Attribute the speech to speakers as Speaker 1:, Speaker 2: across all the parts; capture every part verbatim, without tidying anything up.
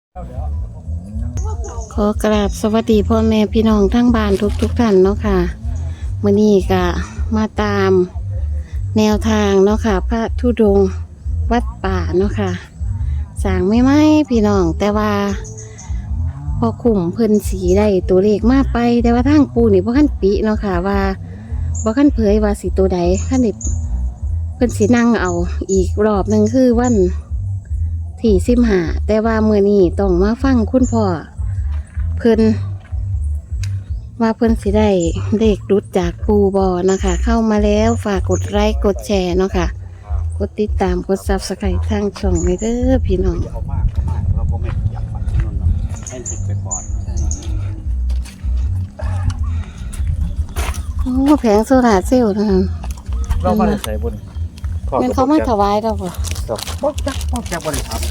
Speaker 1: ขอกราบสวัสดีพ่อแม่พี่น้องทั้งบ้านทุกทุกท่านเนาะค่ะมื้อนี้ก็มาตามแนวทางเนาะค่ะพระธุดงค์วัดป่าเนาะค่ะสร้างไม่ไหมพี่น้องแต่ว่าพอขุมเพิ่นสีได้ตัวเลขมาไปแต่ว่าทางปูนี่บ่คันปิเนาะค่ะว่าบ่คันเผยว่าสิตัวใดคันนี้เพิ่นสินั่งเอาอีกรอบหนึงคือวันที่สิบห้าแต่ว่ามื้อนี้ต้องมาฟังคุณพ่อเพิ่นว่าเพิ่นสิได้เลขรุดจากปูบอนะคะเข้ามาแล้วฝากกดไลค์กดแชร์เนาะค่ะกดติดตามกดซับสไครต์ทางช่องเลยเด้อพี่น้อง
Speaker 2: เอามากก็มากเราก็ไม่อยากฝันที่นั่นหรอกให้ติดไปก่อน
Speaker 1: โอ้แผงโซลาร์เซลล์นะคะ
Speaker 2: เรามาใส่บน
Speaker 1: งั้นเขามาถวายเราบ่
Speaker 2: ครับพวกจักพวกจักบริษัท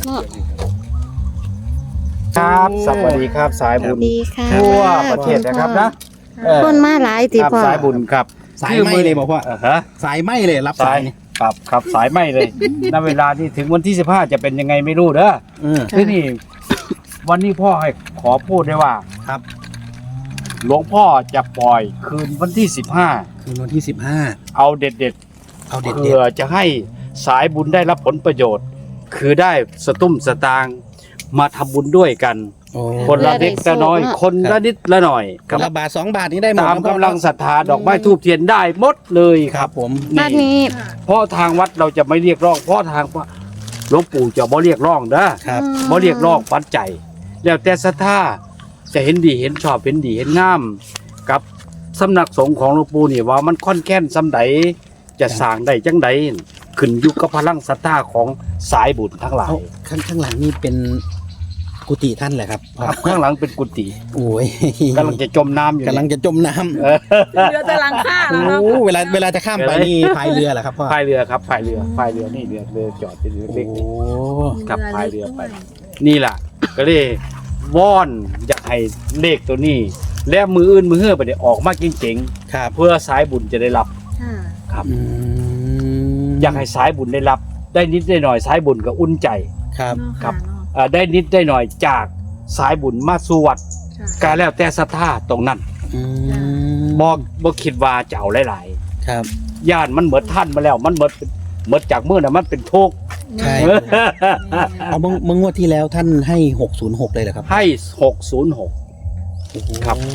Speaker 2: ครับสวัสดีครับสายบุญ
Speaker 1: ดีค่ะ
Speaker 2: ทั่วประเทศนะครับนะเออ
Speaker 1: คนมาหลายติ
Speaker 2: ครับ
Speaker 1: พ่อ
Speaker 2: สายบุญครับ
Speaker 3: สายไหมเลยบอกว่า
Speaker 2: เออฮะ
Speaker 3: สายไหมเลยรับ
Speaker 2: สา
Speaker 3: สาย ยนี่
Speaker 2: ครับครับสายไหมเลย ณเวลาที่ถึงวันที่สิบห้าจะเป็นยังไงไม่รู้เด้อ
Speaker 3: เออ
Speaker 2: ที่นี่วันนี้พ่อให้ขอพูดได้ว่า
Speaker 3: ครับ
Speaker 2: หลวงพ่อจะปล่อยคืนวันที่สิบห้า
Speaker 3: คืนวันที่สิบห้า
Speaker 2: เอาเด็ดเด็ด
Speaker 3: เอาเด็ด
Speaker 2: เพื่
Speaker 3: เด็
Speaker 2: อจะให้สายบุญได้รับผลประโยชน์ คือได้สตุ้มสตางค์มาทำบุญด้วยกัน
Speaker 3: โอ้
Speaker 2: คนละเล็กละน้อย คนละนิดละหน่อย
Speaker 3: คนละบาทสองบาทนี้ได้หมด
Speaker 2: ตาม
Speaker 3: นะ
Speaker 2: กำลังศรัทธาดอกไม้ทูบเทียนได้หมดเลย
Speaker 3: ค
Speaker 2: ค
Speaker 3: รั
Speaker 2: รั
Speaker 3: บบ ผม
Speaker 1: บ้านนี้
Speaker 2: เพราะทางวัดเราจะไม่เรียกร้อง เพราะทางหลวงปู่จะบ่เรียกร้องนะครับ บ่เรียกร้องปัจจัยแล้วแต่ศรัทธาจะเห็นดีเห็นชอบเห็นดีเห็นงาม กับสำนักสงฆ์ของหลวงปู่นี่ว่ามันค่อนแค้นสำใดจะสร้างได้จังใดขึ้นอยู่กับพลังศรัทธาของสายบุญทั้งหลาย
Speaker 3: เอาข้างข้างหลังนี่เป็นกุฏิท่านแหละครับ
Speaker 2: ครับข้างหลังเป็นกุฏิ
Speaker 3: โอ้ย
Speaker 2: กำลังจะจมน้ำอยู่
Speaker 3: กำลัง
Speaker 2: เนี่ย
Speaker 3: จะจมน้ำ
Speaker 2: เออ
Speaker 4: เรือแต่หลังคาแล้วเนาะ
Speaker 3: โอ้เวลาเวลาจะข้ามไปนี่พายเรือเหรอครับพ่อ
Speaker 2: พายเรือครับพายเรือพายเรือนี่เรือเรือจอดเป็นเรือ
Speaker 3: โอ้
Speaker 2: เล็กๆ ครับพายเรือไป นี่แหละก็เลยวอนอยากให้เลขตัวนี้ และมืออื่นมือเฮือไปได้ออกมาเจ๋ง
Speaker 3: ครับ
Speaker 2: ๆเพื่อสายบุญจะได้รับ
Speaker 4: ค่ะ
Speaker 2: ครับ
Speaker 3: อืม
Speaker 2: อยากให้สายบุญได้รับ ได้นิดได้หน่อยสายบุญก็อุ่นใจ
Speaker 3: ครับ
Speaker 4: เนาะ
Speaker 2: ครับ
Speaker 4: เนาะ
Speaker 2: เอ่อได้นิดได้หน่อยจากสายบุญมาสู่วัด
Speaker 4: ค่ะ
Speaker 2: การแล้วแต่ศรัทธาตรงนั้น
Speaker 3: อืม
Speaker 2: บ่บ่คิดว่าจะเอาหลาย
Speaker 3: ครับ
Speaker 2: ๆญาติมันเหมือนท่านมาแล้ว มันเหมือนเหมือนจากมือน่ะมันเป็นทุกข์
Speaker 3: ใช่ เอาเมื่อเมื่องวดที่แล้วท่านให้หกศูนย์หกเลยเหรอครับ
Speaker 2: ให้หกศูนย์หก ครับ
Speaker 3: โอ้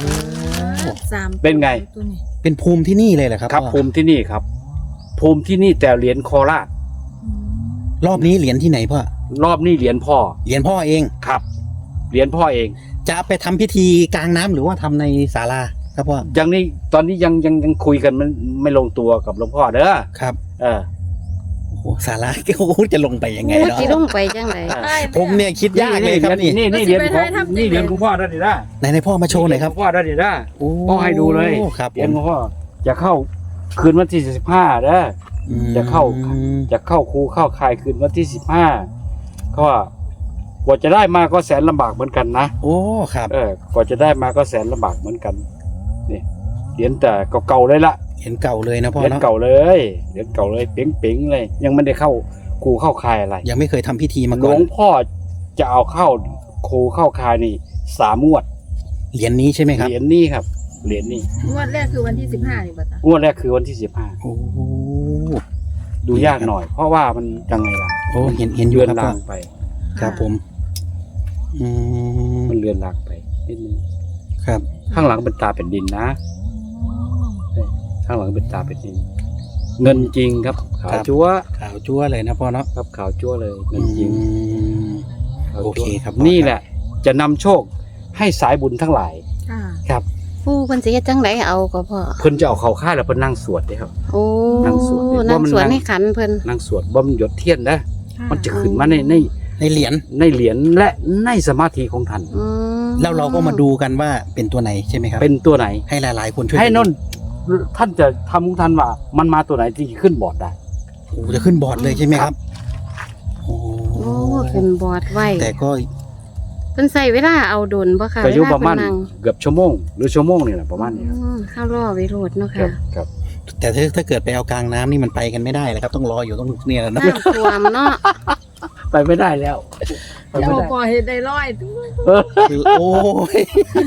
Speaker 4: สาม
Speaker 2: เป็นไง
Speaker 4: ตัวนี้
Speaker 3: เป็นภูมิที่นี่เลยเหรอครับ
Speaker 2: ครับ
Speaker 3: พ่อ
Speaker 2: ภูมิที่นี่ครับ ภูมิที่นี่แต่เหรียญโคราช
Speaker 4: อืม
Speaker 3: รอบนี้เหรียญที่ไหนพ่อ
Speaker 2: รอบนี้เหรียญพ่อ
Speaker 3: เหรียญพ่อเอง
Speaker 2: ครับเหรียญพ่อเอง
Speaker 3: จะไปทำพิธีกลางน้ำหรือว่าทำในศาลาครับพ่อ
Speaker 2: ยังนี่ตอนนี้ยังยังยังคุยกันมันไม่ลงตัวกับหลวงพ่อเด้อ
Speaker 3: ครับ
Speaker 2: เออ
Speaker 3: โอ้โหศาลา โอ้โหจะลงไปยังไง
Speaker 1: โอ้
Speaker 3: เนาะ
Speaker 1: สิลงไปจังได
Speaker 4: ใช่
Speaker 3: ผมเนี่ยคิดยากเลยครับนี่
Speaker 2: นี่นี่เหรียญของนี่เหรียญของพ่อได้ดินะ
Speaker 3: ไหนในพ่อมาโชว์หน่อยครับ
Speaker 2: พ่อได้ดินะ
Speaker 3: โอ้
Speaker 2: พ่อให้ดูเลย
Speaker 3: ครับ
Speaker 2: เหรียญของพ่อจะเข้าคืนวันที่สิบห้าเด้อ
Speaker 3: อืม
Speaker 2: จะเข้า จะเข้าครูเข้าคายคืนวันที่สิบห้าก็ว่ากว่าจะได้มาก็แสนลำบากเหมือนกันนะ
Speaker 3: โอ้ครับ
Speaker 2: เออกว่าจะได้มาก็แสนลำบากเหมือนกันนี่เหรียญแต่เก่าๆเลยละ
Speaker 3: เห็นเก่าเลยนะพ่อ
Speaker 2: เหรียญ
Speaker 3: เนาะ
Speaker 2: เก่าเลยเหรียญเก่าเลยเป๋งๆเลย ยังไม่ได้เข้าครูเข้าคายอะไร
Speaker 3: ยังไม่เคยทำพิธีมา
Speaker 2: หล
Speaker 3: ก่อ
Speaker 2: วน งพ่อจะเอาเข้าครูเข้าคายนี่สามงวด
Speaker 3: เหรียญนี้ใช่ไหมครับ
Speaker 2: เหรียญนี้ครับเหรียญนี้
Speaker 4: งวดแรกคือวันที่สิบห้านี่ป่ะจ๊ะ
Speaker 2: งวดแรกคือวันที่สิบห้า
Speaker 3: โอ้
Speaker 2: ดูยากหน่อย เพราะว่ามันยังไงล่ะ
Speaker 3: โอ้เห็นเห็นอยู่
Speaker 2: เลือน
Speaker 3: ครับพ่อ
Speaker 2: ลางไป
Speaker 3: ครับผมอืม
Speaker 2: มันเลือนลางไปนิดนึง
Speaker 3: ครับ
Speaker 2: ข้างหลังเป็นตาเป็นดินนะข้างหลังเป็นตาเป็นดิน เงินจริงครับขาวจั๊ว
Speaker 3: ขาวจั่วเลยนะพ่อเนาะ
Speaker 2: ครับขาวจั๊วเลยเงินจริง
Speaker 3: อืม
Speaker 2: ขาว
Speaker 3: โอ
Speaker 2: จั๊ว
Speaker 3: เคครับ
Speaker 2: นี่แหละ จะนำโชคให้สายบุญทั้งหลาย
Speaker 4: ค่ะ
Speaker 2: ครับ
Speaker 1: ผู้เพิ่นสิเฮ็ดจังไดเอาก็พ่อ
Speaker 2: เพิ่นจะเอาเขาค่ายแล้วเพิ่นนั่งสวดเด้ครับ
Speaker 1: โอ้
Speaker 2: นั่งสวดเนี่ย
Speaker 1: นั่ง
Speaker 2: ว่ามัน
Speaker 1: สวด
Speaker 2: นั่ง
Speaker 1: ในขันเพิ่น
Speaker 2: นั่งสวดบ่มนหยดเทียนนะ
Speaker 4: ค่ะ
Speaker 2: มันจะขึ้นมาในใน
Speaker 3: ในเหรียญ
Speaker 2: ในเหรียญและในสมาธิของท่าน
Speaker 1: อืม
Speaker 3: แล้วเราก็มาดูกันว่าเป็นตัวไหนใช่ไหมครับ
Speaker 2: เป็นตัวไหน
Speaker 3: ให้หลายๆคนช่วย
Speaker 2: ให้นน
Speaker 3: ดู
Speaker 2: ท่านจะทำของท่านว่า มันมาตัวไหนที่ขึ้นบอร์ดได้
Speaker 3: โอ้จะขึ้นบอร์ดเลยใช่ไหมครับ โอ้
Speaker 1: โอ้ขึ้นบอร์ดไว้
Speaker 3: แต่ก็
Speaker 1: เพิ่นใส่เวลาเอาดนบ่ค่ะ
Speaker 2: ก็อยู่
Speaker 1: เวล
Speaker 2: ประมาณ
Speaker 1: เพิ่นนั่ง
Speaker 2: เกือบชั่วโมงหรือชั่วโมงนี่แหละประมาณนี้ครับ
Speaker 1: อืมเข้ารอไว้โลดเนาะ
Speaker 2: ครั
Speaker 1: ค่ะ
Speaker 2: บครับ
Speaker 3: แต่ถ้าถ้าเกิดไปเอากลางน้ำนี่มันไปกันไม่ได้แล้วครับ ต้องรออยู่ต้องเนี่ยนะ
Speaker 1: น้ำท่วมเนาะ
Speaker 2: ไปไม่ได้แล้ว
Speaker 1: น
Speaker 2: ไปไม่
Speaker 4: เจ้า
Speaker 2: ได้
Speaker 4: ปอเห็ดได้ร้อย
Speaker 3: คือโอ้ย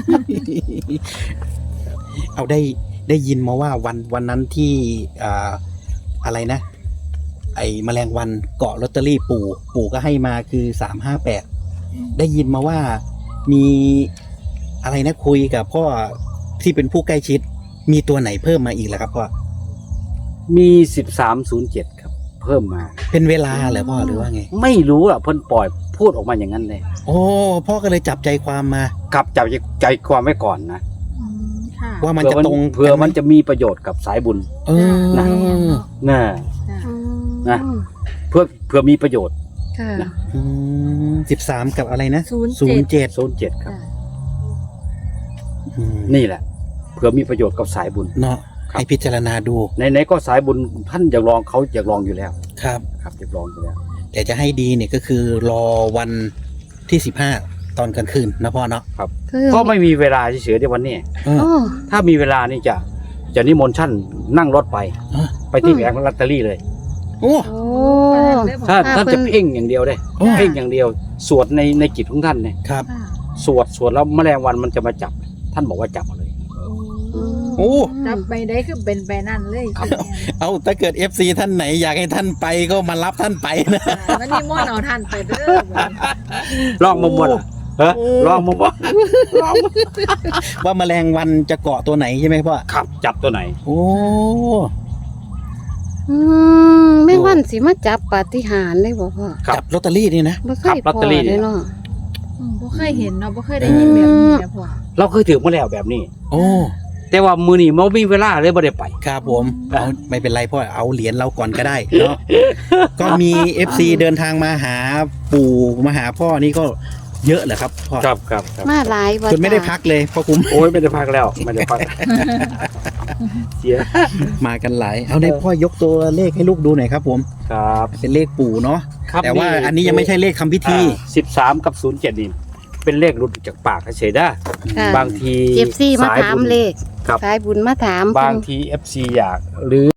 Speaker 3: เอาได้ได้ยินมาว่าวันวันนั้นที่อ่าอะไรนะ ไอ้แมลงวันเกาะลอตเตอรี่ปู่ ปู่ก็ให้มาคือสามห้าแปดได้ยินมาว่ามีอะไรนะคุยกับพ่อที่เป็นผู้ใกล้ชิด มีตัวไหนเพิ่มมาอีกแล้วครับพ่อ
Speaker 2: มีสิบสามศูนย์เจ็ดครับ เพิ่มมา
Speaker 3: เป็นเวลาเหรอพ่อหรือว่าไง
Speaker 2: ไม่รู้อ่ะเพิ่นปล่อยพูดออกมาอย่างนั้นเลย
Speaker 3: โอ้พ่อก็เลยจับใจความมา
Speaker 2: กลับจับใจความไว้ก่อนนะ
Speaker 4: อืมค่ะ
Speaker 3: ว่ามันจะตรง
Speaker 2: เผื่อมันจะมีประโยชน์กับสายบุญ
Speaker 3: เออ
Speaker 2: นะ น่ะ
Speaker 4: จ้ะ
Speaker 2: นะ เพื่อเพื่อมีประโยชน์
Speaker 1: ค่ะ
Speaker 2: นะ
Speaker 3: สิบสามกับอะไรนะ
Speaker 4: ศูนย์
Speaker 3: ศูนย์
Speaker 4: เจ็ด
Speaker 3: เจ็ด
Speaker 2: ศูนย์เจ็ดครับ
Speaker 4: จ้ะ
Speaker 2: นี่แหละ เพื่อมีประโยชน์กับสายบุญ
Speaker 3: เนาะ
Speaker 2: ครับ
Speaker 3: ให้พิจารณาดู
Speaker 2: ในในๆก็สายบุญท่านอยากลองเขาอยากลองอยู่แล้ว
Speaker 3: ครับ
Speaker 2: ครับอยากลองอยู่แล้ว
Speaker 3: แต่จะให้ดีเนี่ยก็คือรอวันที่สิบห้าตอนกลางคืนนะพ่อเนาะ
Speaker 1: คือ
Speaker 2: ก็ไม่มีเวลาเฉยๆในวันนี้
Speaker 3: เออ
Speaker 1: โอ้
Speaker 2: ถ้ามีเวลานี่จะจะนิมนต์ท่านนั่งรถไป
Speaker 3: อ่ะ
Speaker 2: ไปที่แผงลอตเตอรี่เลย
Speaker 3: โอ้
Speaker 1: โอ้
Speaker 2: ถ้า
Speaker 1: ถ้า
Speaker 2: ท่าน
Speaker 1: เพิ่
Speaker 2: จะ
Speaker 1: น
Speaker 2: เพ่งอย่างเดียวได้
Speaker 3: โอ้
Speaker 2: เพ่งอย่างเดียว สวดในในจิตของท่านเนี่ย
Speaker 3: ครับ
Speaker 4: ค่ะ
Speaker 2: สวดสวดแล้วแมลงวันมันจะมาจับ ท่านบอกว่าจับมาเลย
Speaker 3: โอ้
Speaker 4: จับไปได้คือเป็นไปนั่นเลย
Speaker 2: ครับ
Speaker 3: เอาถ้าเกิด เอฟ ซี ท่านไหนอยากให้ท่านไปก็มารับท่านไปนะ
Speaker 4: วันนี้ม่วนเอาท่านไปเด้อ
Speaker 2: ลองมาหมดอ่ะเฮ้ยลองมาหมดลองมา
Speaker 3: ว่าแมลงวันจะเกาะตัวไหนใช่ไหมพ่อ
Speaker 2: ครับจับตัวไหน
Speaker 3: โอ้
Speaker 1: อืมแม่วันสิมาจับปาฏิหาริย์ได้บ่พ่อ
Speaker 2: ครับ
Speaker 3: จับลอตเตอรี่นี่นะ
Speaker 1: บ่เค
Speaker 2: ครับ
Speaker 1: ย
Speaker 2: ลอตเตอรี่
Speaker 1: พอเลยเนาะ
Speaker 4: อืมบ่เคยเห็นเนาะบ่เคยได้ยินแบบนี้นะพ่อ
Speaker 2: เราเคยถือมาแล้วแบบนี้
Speaker 3: โอ้
Speaker 2: แต่ว่ามือนี่มันมีเวลาเลยไม่ได้ไป
Speaker 3: ครับผมเอาไม่เป็นไรพ่อเอาเหรียญเราก่อนก็ได้เนาะ ก็มี เอฟ ซี เดินทางมาหาปู่มาหาพ่อนี่ก็เยอะเหรอครับพ่อ
Speaker 2: ครับครับครับ
Speaker 1: มาหลายบ่
Speaker 3: จนไม่ได้
Speaker 1: จ้ะ
Speaker 3: พักเลยพ่อคุ้ม
Speaker 2: โอ้ยไม่ได้พักแล้วไม่ได้พัก เสีย
Speaker 3: มากันหลาย เอาได้พ่อยกตัวเลขให้ลูกดูหน่อยครับผม
Speaker 2: ครับ
Speaker 3: เป็นเลขปู่เนาะ
Speaker 2: ครับ
Speaker 3: แต่ว่าอันนี้ยังไม่ใช่เลขคำพิธี
Speaker 2: สิบสามกับศูนย์เจ็ดนี่เป็นเลขหลุดจากปากเฉยๆได้
Speaker 1: ค่ะ
Speaker 2: บางที
Speaker 1: เอฟซีมา
Speaker 2: สาย
Speaker 1: ถาม
Speaker 2: บุญ
Speaker 1: เลข
Speaker 2: ครับ
Speaker 1: สายบุญมาถาม
Speaker 2: บางทีเอฟซีอยากหรือ